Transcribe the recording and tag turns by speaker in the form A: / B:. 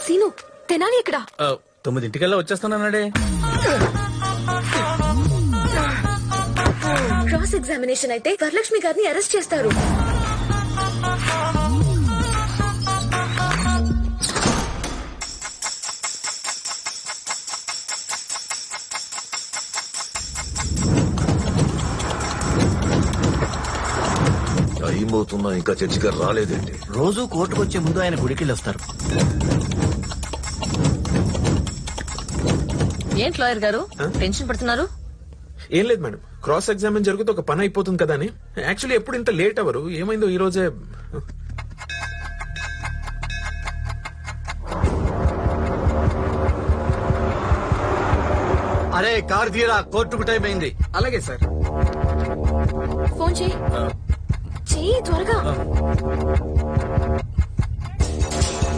A: Scene Tenali ఎక్కడ?
B: 9:00 వచ్చేస్తానన్నాడే.
A: Cross examination అయితే వరలక్ష్మి గారిని అరెస్ట్ చేస్తారు.
C: టైం అవుతున్నా ఇంకా చర్చి గారు రాలేదండి.
D: రోజు కోర్టుకు వచ్చే ముందు ఆయన గుడికెళ్ళి వస్తారు.
E: ఏంటి లాయర్ గారు టెన్షన్ పడుతున్నారు?
F: ఏం లేదు మేడం, క్రాస్ ఎగ్జామిన్ జరిగితే ఒక పని అయిపోతుంది కదా అని. యాక్చువల్లీ ఎప్పుడు ఇంత లేట్ అవరు, ఏమైందో ఈ రోజే.
D: అరే కార్ తీరా, కోర్టుకు టైం అయింది.
F: అలాగే సార్.
A: ఫోన్ చెయ్యి త్వరగా.